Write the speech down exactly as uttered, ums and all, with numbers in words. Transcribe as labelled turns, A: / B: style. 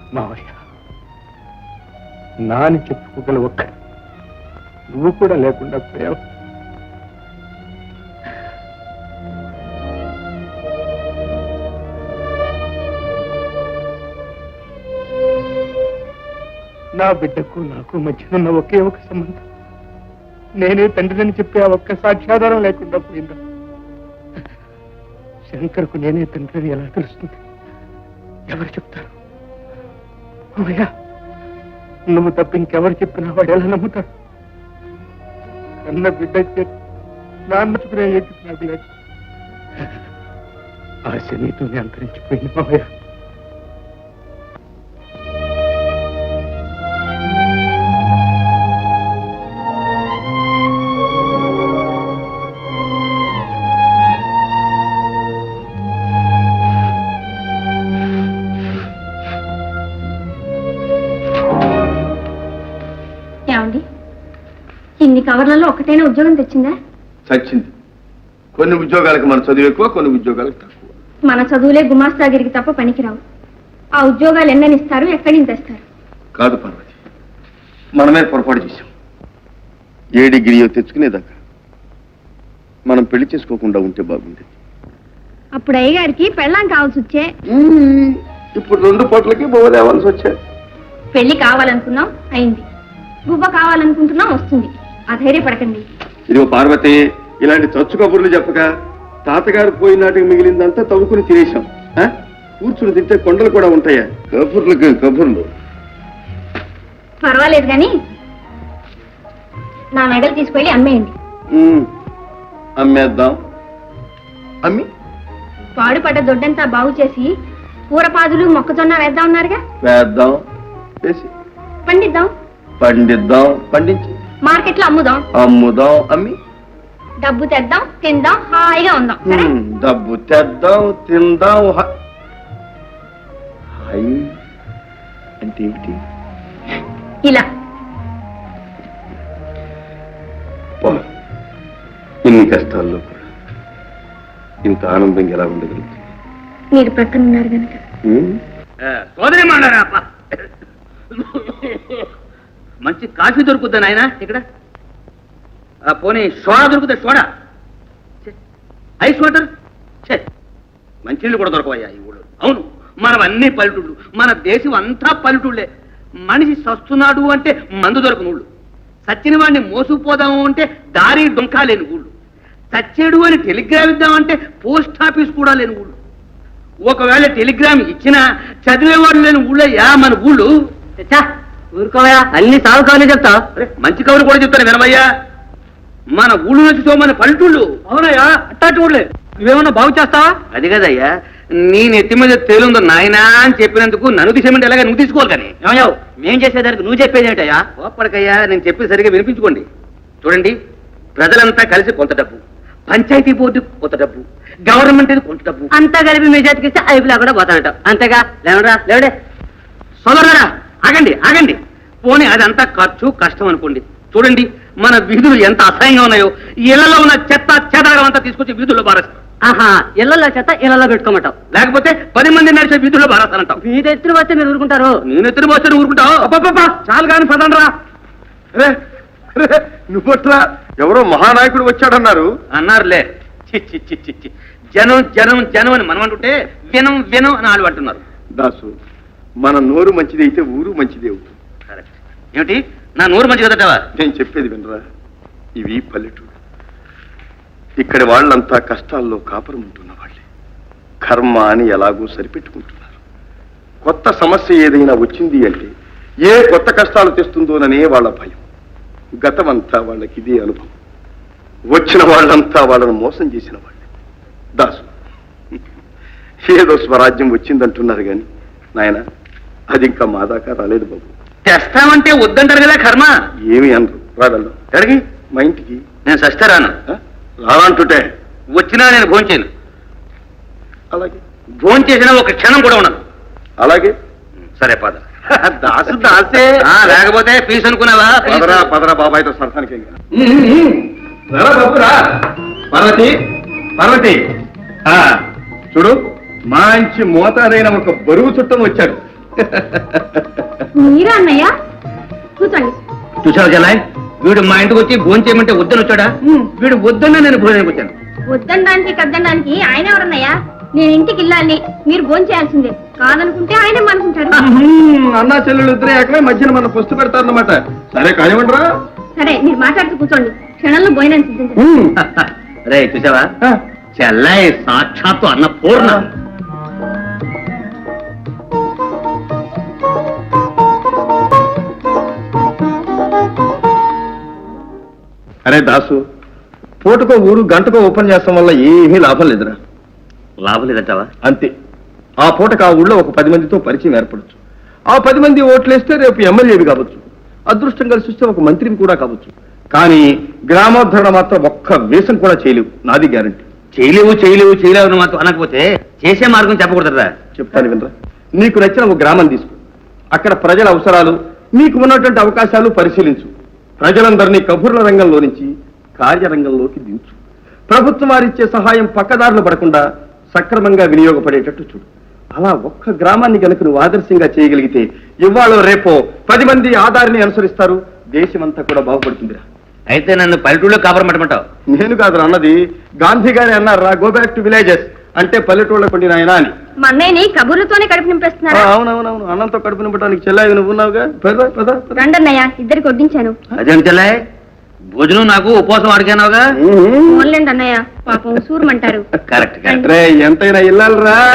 A: మావయ్య, నాని చెప్పుకోగల ఒక్క నువ్వు కూడా లేకుండా పోయావు. నా బిడ్డకు నాకు మధ్యనున్న ఒకే ఒక సంబంధం నేనే తండ్రిని చెప్పే ఆ ఒక్క సాక్ష్యాధారం లేకుండా పోయిందా? శంకర్కు నేనే తండ్రిని ఎలా తెలుస్తుంది? ఎవరు చెప్తారు? అమ్మయ్యా, నువ్వు తప్ప ఇంకెవరు చెప్పినా వాడు ఎలా నమ్ముతాడు? కన్న బిడ్డ నాన్నచుకునే నాకు లేదు. ఆశ నీతోనే అంతరించిపోయింది మావయ్య.
B: ఇన్ని కవర్లలో ఒకటైనా ఉద్యోగం తెచ్చిందా?
C: చచ్చింది. కొన్ని ఉద్యోగాలకు మన చదువు ఎక్కువ, కొన్ని ఉద్యోగాలకు తక్కువ.
B: మన చదువులే గుమాస్తాగిరికి తప్ప పనికిరావు. ఆ ఉద్యోగాలు ఎన్నని ఇస్తారు, ఎక్కడి నుంచి తెస్తారు?
C: కాదు పార్వతి, మనమే పొరపాటు చేశాం. ఏ డిగ్రీయో తెచ్చుకునేదాకా మనం పెళ్లి చేసుకోకుండా ఉంటే బాగుండేది.
B: అప్పుడు అయ్యగారికి పెళ్ళాం కావాల్సి వచ్చే.
C: ఇప్పుడు రెండు పూటలకి బొవ్వ తేవాల్సి వచ్చాయి.
B: పెళ్లి కావాలనుకున్నాం, అయింది. గువ్వ కావాలనుకుంటున్నాం, వస్తుంది. అధైర్యపడకండి.
C: ఇదిగో పార్వతి, ఇలాంటి చచ్చు కబుర్లు చెప్పక తాతగారు పోయిన నాటికి మిగిలిందంతా తవ్వుకుని తినేశాం. కూర్చుని తింటే కొండలు కూడా ఉంటాయా? కబుర్లకు కబుర్లు.
B: పర్వాలేదు కానీ నా మెడలు తీసుకెళ్ళి అమ్మేయండి.
C: అమ్మేద్దాం. అమ్మి
B: పాడుపడ్డ దొడ్డంతా బాగు చేసి కూరపాదులు మొక్కజొన్న వేద్దాం ఉన్నారుగా.
C: వేద్దాం. వేసి
B: పండిద్దాం.
C: పండిద్దాం. పండించి
B: మార్కెట్ లో అమ్ముదాం.
C: అమ్ముదాం. అమ్మి
B: డబ్బు తెద్దాం, తిందాం, హాయిగా ఉందాం.
C: డబ్బు తెద్దాం, తిందాం. హాయ్ అంటే ఏమిటి?
B: ఇలా
C: ఇన్ని కష్టాల్లో కూడా ఇంత ఆనందంగా ఎలా ఉండగలుగుతుంది?
B: మీరు ప్రక్కన ఉన్నారు కనుక.
D: సోదరి మాడారా మంచి కాఫీ దొరుకుద్దా నాయన ఇక్కడ? పోనీ సోడా దొరుకుతా? సోడా, ఐస్ వాటర్, మంచినీళ్ళు కూడా దొరకవయ్యా ఈ ఊళ్ళో. అవును, మనం అన్ని పల్లెటూళ్ళు, మన దేశం అంతా పల్లెటూళ్ళే. మనిషి సస్తున్నాడు అంటే మందు దొరకని ఊళ్ళు, సచ్చిన వాడిని మోసుకుపోదాము అంటే దారి డొంకా లేని ఊళ్ళు, చచ్చేడు అని టెలిగ్రామ్ ఇద్దామంటే పోస్ట్ ఆఫీస్ కూడా లేని ఊళ్ళు. ఒకవేళ టెలిగ్రామ్ ఇచ్చినా చదివేవాడు లేని ఊళ్ళయ్యా మన ఊళ్ళు. ఊరుకోవయా, అన్ని సాగు కవులు చెప్తా. మంచి కవులు కూడా చెప్తాను వినవయ్యా. మన ఊళ్ళు నుంచి మన పల్లెటూళ్ళు. అవునయ్యా, అట్టాటి ఊళ్ళే. నువ్వేమన్నా బాగు చేస్తావా? అది కదయ్యా, నీ నెత్తి మీద తేలుందో నాయనా అని చెప్పినందుకు నన్ను తీసేమంటే ఎలాగా నువ్వు తీసుకోవాలి. కానీ ఏమయ్యావు, మేం చేసేదానికి నువ్వు చెప్పేది ఏంటయ్యా? ఓపడకయ్యా, నేను చెప్పేది సరిగా వినిపించుకోండి. చూడండి, ప్రజలంతా కలిసి కొంత డబ్బు, పంచాయతీ బోర్డు కొంత డబ్బు, గవర్నమెంట్ కొంత డబ్బు, అంతా కలిపి మీ చేతికిస్తే అయిపోలా కూడా పోతానట. అంతేగా? లేవరా లేవడే సోదరులారా, ఆగండి ఆగండి. పోనీ అదంతా ఖర్చు కష్టం అనుకోండి. చూడండి, మన వీధులు ఎంత అసహ్యంగా ఉన్నాయో. ఇళ్లలో ఉన్న చెత్త చెదారం అంతా తీసుకొచ్చి వీధుల్లో బారేస్తాం. ఆహా, ఇళ్లలో చెత్త ఇళ్లలో పెట్టుకోమంటావు, లేకపోతే పది మంది నడిచే వీధుల్లో బారేస్తానంటావు. మీరు ఎత్తున వస్తే మీరు ఊరుకుంటారు. నేను ఎత్తున వస్తే నువ్వు ఊరుకుంటావు? అబ్బా, చాలు కానీ పదండ్రా.
C: నువ్వట్లా ఎవరో మహానాయకుడు వచ్చాడన్నారు.
D: అన్నారులే. చి చి చి జనం జనం జనం అని మనం అంటుంటే వినం వినం అని వాళ్ళు అంటున్నారు.
C: దాసు, మన నోరు మంచిది అయితే ఊరు మంచిది అవుతుంది.
D: కరెక్ట్. ఏమిటి నా నోరు మంచి కదటవా?
C: నేను చెప్పేది వినరా, ఇవి పల్లెటూరు. ఇక్కడి వాళ్ళంతా కష్టాల్లో కాపురం ఉంటున్న వాళ్ళే. కర్మ అని ఎలాగో సరిపెట్టుకుంటున్నారు. కొత్త సమస్య ఏదైనా వచ్చింది అంటే ఏ కొత్త కష్టాలు తెస్తుందోననే వాళ్ళ భయం. గతమంతా వాళ్ళకి ఇదే అనుభవం. వచ్చిన వాళ్ళంతా వాళ్ళను మోసం చేసిన వాళ్ళే. దాసు, ఏదో స్వరాజ్యం వచ్చిందంటున్నారు కానీ నాయన, అది ఇంకా మా దాకా రాలేదు బాబు.
D: తెస్తామంటే వద్దంటారు కదా కర్మ.
C: ఏమి అనరు. రాగలరు ఎక్కడికి? మా ఇంటికి.
D: నేను సస్తే రాను.
C: రానంటుంటే
D: వచ్చినా నేను భోంచేను.
C: అలాగే.
D: భోంచేసినా ఒక క్షణం కూడా ఉండదు.
C: అలాగే.
D: సరే పద.
C: దాసు దాసే.
D: లేకపోతే ఫీజు అనుకున్నావా?
C: పదరా పదరా బాబాయ్తో సరసానికి.
A: పార్వతి, పార్వతి, చూడు, మంచి మోతాదైన ఒక బరువు చుట్టం వచ్చాడు.
B: మీరా అన్నయ్య? కూర్చోండి.
D: చూసావు జలాయ్, వీడు మా ఇంటికి వచ్చి భోజనం చేయమంటే వద్దని వచ్చాడా? వీడు వద్దన్నా నేను భోజనానికి వచ్చాను.
B: వద్దనడానికి కద్దనడానికి ఆయన ఎవరన్నయ్యా? నేను ఇంటికి వెళ్ళాలి, మీరు భోజనం చేయాల్సిందే. కాదనుకుంటే ఆయనే అనుకుంటారు.
C: అన్నా చెల్లెలు ఇద్దరే ఏకమే మధ్యన మన పొస్తు పెడతారన్నమాట. సరే కానివ్వండిరా.
B: సరే, మీరు మాట్లాడుతూ కూర్చోండి. క్షణంలో భోజనం సిద్ధించండి.
D: రే చూసావా, చెల్లాయి సాక్షాత్తు అన్న పూర్ణ.
C: అరే దాసు, పూటకో ఊరు గంటకో ఓపెన్ చేస్తాం వల్ల ఏమీ లాభం లేదురా.
D: లాభం లేదంటావా?
C: అంతే. ఆ పూటకు ఆ ఊళ్ళో ఒక పది మందితో పరిచయం ఏర్పడచ్చు. ఆ పది మంది ఓట్లేస్తే రేపు ఎమ్మెల్యేవి కావచ్చు, అదృష్టం కలిసి వస్తే ఒక మంత్రిని కూడా కావచ్చు. కానీ గ్రామోద్ధరణ మాత్రం ఒక్క వేషం కూడా చేయలేవు, నాది గ్యారంటీ.
D: చేయలేవు చేయలేవు చేయలేవు అని మాత్రం అనకపోతే చేసే మార్గం చెప్పకూడదురా.
C: చెప్తాను వినరా. నీకు నచ్చిన ఒక గ్రామం తీసుకో, అక్కడ ప్రజల అవసరాలు, మీకు ఉన్నటువంటి అవకాశాలు పరిశీలించు. ప్రజలందరినీ కబుర్ల రంగంలో నుంచి కార్యరంగంలోకి దించు. ప్రభుత్వం వారిచ్చే సహాయం పక్కదారులు పడకుండా సక్రమంగా వినియోగపడేటట్టు చూడు. అలా ఒక్క గ్రామాన్ని కనుక నువ్వు ఆదర్శంగా చేయగలిగితే ఇవాళ రేపో పది మంది ఆధారిని అనుసరిస్తారు, దేశమంతా కూడా బాగుపడుతుందిరా.
D: అయితే నన్ను పల్లెటూళ్ళలో కాపురం పెట్టమంటావు?
C: నేను కాదు అన్నది, గాంధీ గారి అన్నారా, గో బ్యాక్ టు విలేజెస్ అంటే పల్లెటూళ్ళ పండిన ఆయన అని.
B: మా అన్నయ్యని కబుర్లతోనే కడుపు నింపేస్తున్నారా?
C: అవునవునవును, అన్నంతో కడుపు నింపడానికి చెల్లాయి నువ్వు ఉన్నావుగా. పద పద పద.
B: రండి అన్నయ్య, ఇద్దరికి వడ్డించాను.
D: అదేం చెల్లాయి, భోజనం నాకు ఉపవాసం అడిగానావుగా.
B: ఓన్లేండి అన్నయ్య, పాపం సూరమంటారు.
D: కరెక్ట్
C: ఎంతైనా ఇల్లాలరా.